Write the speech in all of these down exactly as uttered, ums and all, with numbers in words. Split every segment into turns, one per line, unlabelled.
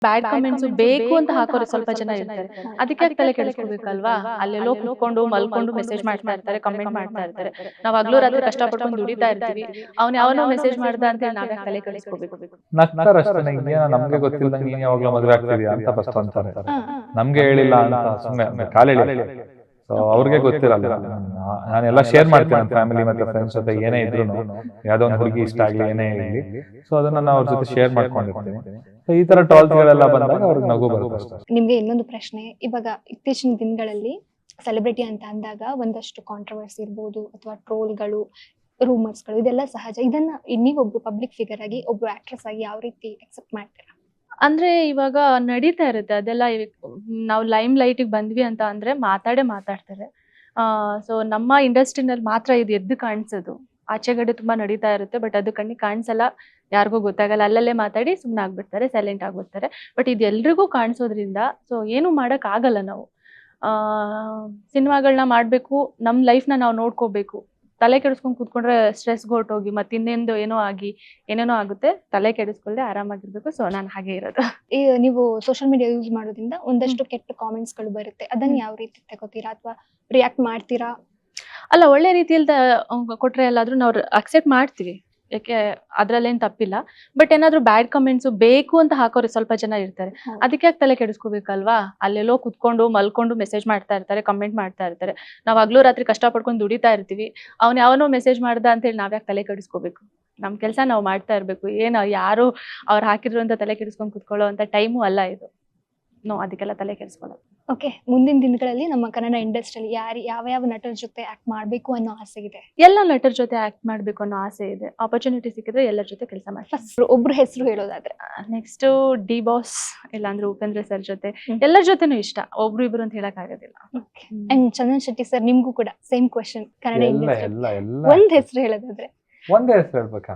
Bad comments ಬೇಕು ಅಂತ ಹಾಕೋರು ಸ್ವಲ್ಪ ಜನ ಇರ್ತಾರೆ. ಅದಕ್ಕೆ ಯಾಕೆ ತಲೆ ಕೆಡಿಸ್ಕೋಬೇಕಲ್ವಾ? ಅಲ್ಲೆಲ್ಲೋ ಕುತ್ಕೊಂಡು ಮಲ್ಕೊಂಡು ಮೆಸೇಜ್ ಮಾಡ್ತಾ ಇರ್ತಾರೆ, ಕಮೆಂಟ್ ಮಾಡ್ತಾ ಇರ್ತಾರೆ. ನಾವ್ ಹಗ್ಲು ರಾತ್ರಿ ಕಷ್ಟಪಡ್ಕೊಂಡು ದುಡಿತಾ ಇರ್ತೀವಿ. ಅವ್ನ್ ಯಾವನೋ ಮೆಸೇಜ್ ಮಾಡ್ದ ಅಂತ ಹೇಳಿ ನಾವ್ ಯಾಕೆ ತಲೆ ಕೆಡಿಸ್ಕೋಬೇಕು?
ನಗ್ತಾರಷ್ಟೇ, ಏನೋ ನಮ್ಗೆ ಗೊತ್ತಿಲ್ದಂಗೆ ನೀನ್ ಯಾವಾಗ್ಲೂ ಮದ್ವೆ ಆಗ್ತಿದ್ಯಾ ಅಂತ ಫಸ್ಟ್ ಅಂತಾರೆ. ನಮ್ಗೆ ಹೇಳಿಲ್ಲ ಅಂತ ಸುಮ್ಮನೆ ಕಾಲ್ ಹೇಳಿ. ಸೊ ಅವ್ರಿಗೆ ಗೊತ್ತಿರಲ್ಲ. ನಾನೆಲ್ಲ ಶೇರ್ ಮಾಡ್ತೀನಿ ನನ್ನ ಫ್ಯಾಮಿಲಿ ಮತ್ತೆ ಫ್ರೆಂಡ್ಸ್ ಜೊತೆ ಏನೇ ಇದ್ರು, ಯಾವ್ದೋ ಒಂದು ಹುಡುಗಿ ಇಷ್ಟ ಆಗ್ಲಿ ಏನೇ ಇರಲಿ, ಸೊ ಅದನ್ನ ನಾನು ಅವ್ರ ಜೊತೆ ಶೇರ್ ಮಾಡ್ಕೊಂಡಿರ್ತೀನಿ. ಸೊ ಈ ತರ ಟಾಲ್ಸ್ ಗಳೆಲ್ಲ ಬಂದಾಗ ಅವ್ರಿಗೆ ನಗು ಬರುತ್ತೆ.
ನಿಮ್ಗೆ ಇನ್ನೊಂದು ಪ್ರಶ್ನೆ, ಇವಾಗ ಇತ್ತೀಚಿನ ದಿನಗಳಲ್ಲಿ ಸೆಲೆಬ್ರಿಟಿ ಅಂತ ಅಂದಾಗ ಒಂದಷ್ಟು ಕಾಂಟ್ರವರ್ಸಿ ಇರ್ಬೋದು ಅಥವಾ ಟ್ರೋಲ್ಗಳು, ರೂಮರ್ಸ್ಗಳು, ಇದೆಲ್ಲ ಸಹಜ. ಇದನ್ನ ನೀವೊಬ್ರು ಪಬ್ಲಿಕ್ ಫಿಗರ್ ಆಗಿ ಒಬ್ರು ಆಕ್ಟ್ರೆಸ್ ಆಗಿ ಯಾವ ರೀತಿ ಅಕ್ಸೆಪ್ಟ್ ಮಾಡ್ತೀರಾ?
ಅಂದ್ರೆ ಇವಾಗ ನಡೀತಾ ಇರುತ್ತೆ ಅದೆಲ್ಲ. ನಾವು ಲೈಮ್ ಲೈಟಿಗೆ ಬಂದ್ವಿ ಅಂತ ಅಂದ್ರೆ ಮಾತಾಡೇ ಮಾತಾಡ್ತಾರೆ. ಆ ಸೊ ನಮ್ಮ ಇಂಡಸ್ಟ್ರಿನಲ್ಲಿ ಮಾತ್ರ ಇದು ಎದ್ದು ಕಾಣಿಸೋದು. ಆಚೆಗಡೆ ತುಂಬಾ ನಡೀತಾ ಇರುತ್ತೆ, ಬಟ್ ಅದು ಕಣ್ಣಿಗೆ ಕಾಣಿಸಲ್ಲ, ಯಾರಿಗೂ ಗೊತ್ತಾಗಲ್ಲ. ಅಲ್ಲಲ್ಲೇ ಮಾತಾಡಿ ಸುಮ್ಮನೆ ಆಗ್ಬಿಡ್ತಾರೆ, ಸೈಲೆಂಟ್ ಆಗ್ಬಿಡ್ತಾರೆ. ಬಟ್ ಇದು ಎಲ್ರಿಗೂ ಕಾಣಿಸೋದ್ರಿಂದ ಸೊ ಏನು ಮಾಡಕ್ ಆಗಲ್ಲ. ನಾವು ಆ ಸಿನಿಮಾಗಳನ್ನ ಮಾಡ್ಬೇಕು, ನಮ್ ಲೈಫ್ನ ನಾವು ನೋಡ್ಕೋಬೇಕು. ತಲೆ ಕೆಡಿಸ್ಕೊಂಡು ಕೂತ್ಕೊಂಡ್ರೆ ಸ್ಟ್ರೆಸ್ ಹೊರಟೋಗಿ ಮತ್ತೆ ಇನ್ನೇಂದು ಏನೋ ಆಗಿ ಏನೇನೋ ಆಗುತ್ತೆ. ತಲೆ ಕೆಡಿಸ್ಕೊಳ್ದೆ ಆರಾಮಾಗಿರ್ಬೇಕು. ಸೊ ನಾನು ಹಾಗೆ ಇರೋದು.
ಈ ನೀವು ಸೋಷಿಯಲ್ ಮೀಡಿಯಾ ಯೂಸ್ ಮಾಡೋದ್ರಿಂದ ಒಂದಷ್ಟು ಕೆಟ್ಟ ಕಾಮೆಂಟ್ಸ್ ಗಳು ಬರುತ್ತೆ, ಅದನ್ನ ಯಾವ ರೀತಿ ತಗೋತೀರಾ ಅಥವಾ ರಿಯಾಕ್ಟ್ ಮಾಡ್ತೀರಾ?
ಅಲ್ಲ, ಒಳ್ಳೆ ರೀತಿಯಲ್ಲಿ ಕೊಟ್ರೆ ಎಲ್ಲಾದ್ರೂ ನಾವು ಅಕ್ಸೆಪ್ಟ್ ಮಾಡ್ತೀವಿ, ಯಾಕೆ ಅದ್ರಲ್ಲೇನ್ ತಪ್ಪಿಲ್ಲ. ಬಟ್ ಏನಾದ್ರು ಬ್ಯಾಡ್ ಕಮೆಂಟ್ಸ್ ಬೇಕು ಅಂತ ಹಾಕೋರು ಸ್ವಲ್ಪ ಜನ ಇರ್ತಾರೆ. ಅದಕ್ಕೆ ಯಾಕೆ ತಲೆ ಕೆಡಿಸ್ಕೋಬೇಕಲ್ವಾ? ಅಲ್ಲೆಲ್ಲೋ ಕುತ್ಕೊಂಡು ಮಲ್ಕೊಂಡು ಮೆಸೇಜ್ ಮಾಡ್ತಾ ಇರ್ತಾರೆ, ಕಮೆಂಟ್ ಮಾಡ್ತಾ ಇರ್ತಾರೆ. ನಾವ್ ಹಗ್ಲು ರಾತ್ರಿ ಕಷ್ಟಪಡ್ಕೊಂಡು ದುಡಿತಾ ಇರ್ತೀವಿ. ಅವ್ನ್ ಯಾವನೋ ಮೆಸೇಜ್ ಮಾಡ್ದ ಅಂತ ಹೇಳಿ ನಾವ್ ಯಾಕೆ ತಲೆ ಕೆಡಿಸ್ಕೋಬೇಕು? ನಮ್ ಕೆಲ್ಸ ನಾವ್ ಮಾಡ್ತಾ ಇರ್ಬೇಕು. ಏನು ಯಾರು ಅವ್ರು ಹಾಕಿದ್ರು ಅಂತ ತಲೆ ಕೆಡಿಸ್ಕೊಂಡು ಕುತ್ಕೊಳ್ಳೋ ಅಂತ ಟೈಮು ಅಲ್ಲ ಇದು. ನೋ, ಅದಕ್ಕೆಲ್ಲ ತಲೆ ಕೆಡಿಸ್ಕೊಳ್ಳೋದು.
ಓಕೆ, ಮುಂದಿನ ದಿನಗಳಲ್ಲಿ ನಮ್ಮ ಕನ್ನಡ ಇಂಡಸ್ಟ್ರಿಯಲ್ಲಿ ಯಾರು ಯಾವ ಯಾವ ನಟರ ಜೊತೆ ಆಕ್ಟ್ ಮಾಡ್ಬೇಕು ಅನ್ನೋ ಆಸೆ ಇದೆ?
ಎಲ್ಲ ನಟರ ಜೊತೆ ಆಕ್ಟ್ ಮಾಡ್ಬೇಕು ಅನ್ನೋ ಆಸೆ ಇದೆ. ಆಪರ್ಚುನಿಟಿ ಸಿಕ್ಕಿದ್ರೆ ಎಲ್ಲರ ಜೊತೆ ಕೆಲಸ ಮಾಡ್ತೀನಿ.
ಫಸ್ಟ್ ಒಬ್ರು ಹೆಸರು ಹೇಳೋದಾದ್ರೆ?
ನೆಕ್ಸ್ಟ್ ಡಿ ಬಾಸ್, ಇಲ್ಲಾಂದ್ರೆ ಉಪೇಂದ್ರ ಸರ್ ಜೊತೆ, ಎಲ್ಲರ ಜೊತೆನೂ ಇಷ್ಟ. ಒಬ್ರು ಇಬ್ರು ಅಂತ ಹೇಳಕ್ ಆಗೋದಿಲ್ಲ.
ಅಂಡ್ ಚಂದನ್ ಶೆಟ್ಟಿ ಸರ್, ನಿಮ್ಗೂ ಕೂಡ ಸೇಮ್ ಕ್ವೆಶ್ಚನ್. ಕನ್ನಡ ಇಂಡಸ್ಟ್ರಿ ಒಂದ್ ಹೆಸರು ಹೇಳೋದಾದ್ರೆ?
ಒಂದೇ ಹೆಸರು ಹೇಳ್ಬೇಕಾ?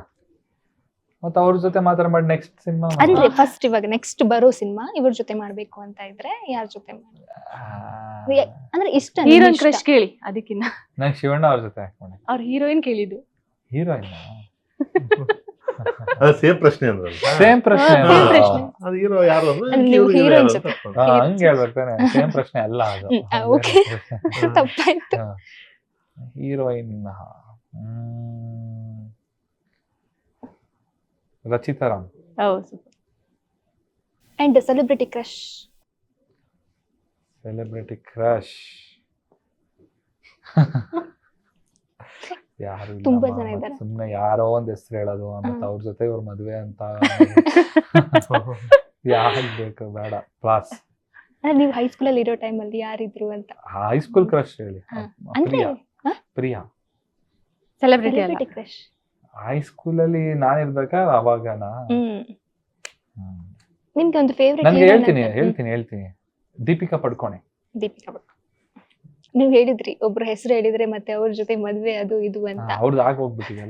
ಮತ್ತೆ ಅವ್ರ ಜೊತೆ ಮಾತ್ರ ಮಾಡಿ ನೆಕ್ಸ್ಟ್ ಸಿನಿಮಾ
ಅಂದ್ರೆ ಫಸ್ಟ್ ಇವಾಗ ನೆಕ್ಸ್ಟ್ ಬರೋ ಸಿನಿಮಾ ಇವ್ರ ಜೊತೆ ಮಾಡ್ಬೇಕು ಅಂತ ಇದ್ರೆ ಯಾರ ಜೊತೆ ಅಂದ್ರೆ ಇಷ್ಟ?
ಹೀರೋಯಿನ್ ಕ್ರಶ್ ಕೇಳಿ. ಅದಕ್ಕಿನ್ನ
ನಂಗೆ ಶಿವಣ್ಣ ಅವ್ರ ಜೊತೆ ಆಕ್ಟ್ ಮಾಡಿ.
ಅವ್ರ ಹೀರೋಯಿನ್ ಕೇಳಿದ್ದು.
ಹೀರೋಯಿನ್
ಅದು ಸೇಮ್ ಪ್ರಶ್ನೆ ಅಂದ್ರೆ
ಸೇಮ್ ಪ್ರಶ್ನೆ.
ಅದು ಹೀರೋ ಯಾರು ಅಂದ್ರೆ
ನೀವು ಹೀರೋಯಿನ್ ಜೊತೆ
ಹಂಗೆ ಹೇಳ್ಬೇಕಾನೆ. ಸೇಮ್ ಪ್ರಶ್ನೆ ಅಲ್ಲ ಅದು.
ಓಕೆ, ತಪ್ಪಾಯ್ತು.
Heroine Rachita Ram.
And celebrity crush?
Celebrity crush ಯಾರು
ತುಂಬಾ ಜನ ಇದ್ದಾರೆ.
ಸುಮ್ನೆ ಯಾರೋ ಒಂದ್ ಹೆಸರು ಹೇಳೋದು, ಮತ್ತೆ ಅವ್ರ ಜೊತೆ ಇವ್ರ ಮದ್ವೆ ಅಂತ ಯಾರು ಬೇಕು, ಬೇಡ. ಕ್ಲಾಸ್
ಅಂದ್ರೆ ನೀವು ಹೈಸ್ಕೂಲ್ ಅಲ್ಲಿ ಇರೋ ಟೈಮ್ ಅಲ್ಲಿ ಯಾರಿದ್ರು ಅಂತ?
ಹೈಸ್ಕೂಲ್ ಕ್ರಶ್ ಹೇಳಿ. Priya. Priya
celebrity
crush.
High school ಅಲ್ಲಿ ನಾನಿರ್ಬೇಕಾ ಅವಾಗನಾ?
ನಿಮ್ಗೆ ಒಂದು ಫೇವರೇಟ್?
ನನ್ಗೆ ಹೇಳ್ತೀನಿ ಹೇಳ್ತೀನಿ ಹೇಳ್ತೀನಿ ದೀಪಿಕಾ ಪಡ್ಕೋಣೆ.
ದೀಪಿಕಾ ಪಡ್ಕೋಣೆ. ನೀವ್ ಹೇಳಿದ್ರಿ ಒಬ್ರು ಹೆಸರು ಹೇಳಿದ್ರೆ ಮತ್ತೆ ಅವ್ರ ಜೊತೆ ಮದ್ವೆ ಅದು ಇದು ಅಂತ.
ಅವ್ರದ್ದು ಆಗ ಹೋಗ್ಬಿಟ್ಟಿದೆಲ್ಲ.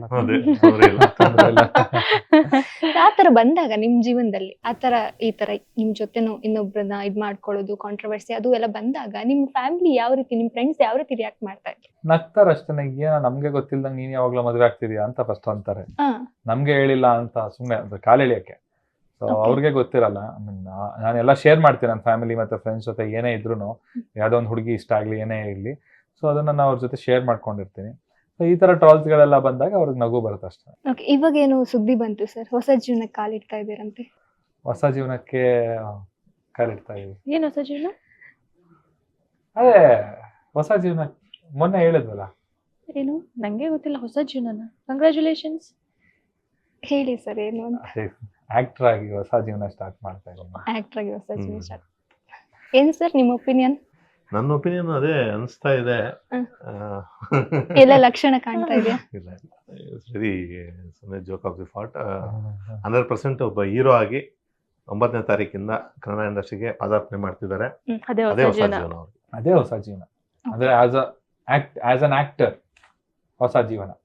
ಆತರ ಬಂದಾಗ ನಿಮ್ ಜೀವನದಲ್ಲಿ ಆತರ ಈ ತರ ನಿಮ್ ಜೊತೆನೂ ಇನ್ನೊಬ್ರನ್ನ ಇದ್ ಮಾಡ್ಕೊಳ್ಳೋದು, ಕಾಂಟ್ರವರ್ಸಿ ಅದು ಎಲ್ಲ ಬಂದಾಗ ನಿಮ್ ಫ್ಯಾಮಿಲಿ ಯಾವ ರೀತಿ, ನಿಮ್ ಫ್ರೆಂಡ್ಸ್ ಯಾವ ರೀತಿ ರಿಯಾಕ್ಟ್ ಮಾಡ್ತಾ ಇದ್ರು?
ನಗ್ತಾರಷ್ಟೇ, ಏನೋ ನಮ್ಗೆ ಗೊತ್ತಿಲ್ದಂಗೆ ನೀನ್ ಯಾವಾಗ್ಲೂ ಮದ್ವೆ ಆಗ್ತಿದ್ಯಾ ಅಂತ ಫಸ್ಟ್ ಅಂತಾರೆ. ನಮ್ಗೆ ಹೇಳಿಲ್ಲ ಅಂತ ಸುಮ್ನೆ ಕಾಲ್ ಎಳಿಯಕ್ಕೆ. ಸೊ ಅವ್ರಿಗೆ ಗೊತ್ತಿರಲ್ಲ. ನಾನೆಲ್ಲ ಶೇರ್ ಮಾಡ್ತೀನಿ ನನ್ನ ಫ್ಯಾಮಿಲಿ ಮತ್ತೆ ಫ್ರೆಂಡ್ಸ್ ಜೊತೆ ಏನೇ ಇದ್ರು, ಯಾವ್ದೋ ಒಂದು ಹುಡುಗಿ ಇಷ್ಟ ಆಗ್ಲಿ ಏನೇ ಇರ್ಲಿ, ಸೊ ಅದನ್ನ ನಾನು ಅವ್ರ ಜೊತೆ ಶೇರ್ ಮಾಡ್ಕೊಂಡಿರ್ತೀನಿ. ಸೊ ಈ ತರ ಟ್ರಾಲ್ಸ್ ಗಳೆಲ್ಲ ಬಂದಾಗ ಅವ್ರಿಗೆ ನಗು ಬರುತ್ತೆ ಅಷ್ಟೇ.
ಓಕೆ, ಇವಾಗ ಏನು ಸುದ್ದಿ ಬಂತು ಸರ್, ಹೊಸ ಜೀವನಕ್ಕೆ ಕಾಲಿಡ್ತಾ ಇದ್ದೀರಂತೆ?
ಹೊಸ ಜೀವನಕ್ಕೆ ಕಾಲಿಡ್ತಾ ಇದೀವಿ.
ಏನು ಹೊಸ ಜೀವನ?
ಅದೇ ಹೊಸ ಜೀವನ ಮೊನ್ನೆ ಹೇಳಿದ್ವಲ್ಲ.
ಏನು ನಂಗೆ ಗೊತ್ತಿಲ್ಲ. ಹೊಸ ಜೀವನನ? ಕಂಗ್ರಾಚುಲೇಷನ್ಸ್.
ಹೇಳಿ ಸರ್ ಏನು ಅಂತ.
ಆಕ್ಟರ್ ಆಗಿ ಹೊಸ ಜೀವನ ಸ್ಟಾರ್ಟ್ ಮಾಡ್ತಾ ಇದ್ದೀನಿ.
ಆಕ್ಟರ್ ಆಗಿ ಹೊಸ ಜೀವನ ಸ್ಟಾರ್ಟ್. ಏನ್ ಸರ್ ನಿಮ್ಮ ಒಪಿನಿಯನ್?
ನನ್ನ ಒಪಿನಿಯನ್ ಅದೇ ಅನಿಸ್ತಾ ಇದೆ.
ಎಲ್ಲ ಲಕ್ಷಣ ಕಾಣ್ತಾ ಇದೆಯಾ?
ಇಲ್ಲ ವೆರಿ ಸುಮ್ಮನೆ joke of the fat. Hundred percent ಒಬ್ಬ ಹೀರೋ ಆಗಿ ಒಂಬತ್ತನೇ ತಾರೀಕಿಂದ ಕನ್ನಡ ಇಂಡಸ್ಟ್ರಿಗೆ ಪದಾರ್ಪಣೆ ಮಾಡ್ತಿದ್ದಾರೆ. ಅದೇ ಹೊಸ ಜೀವನ ಅವ್ರಿಗೆ.
ಅದೇ ಹೊಸ ಜೀವನ ಅಂದ್ರೆ as a act as an actor ಹೊಸ ಜೀವನ.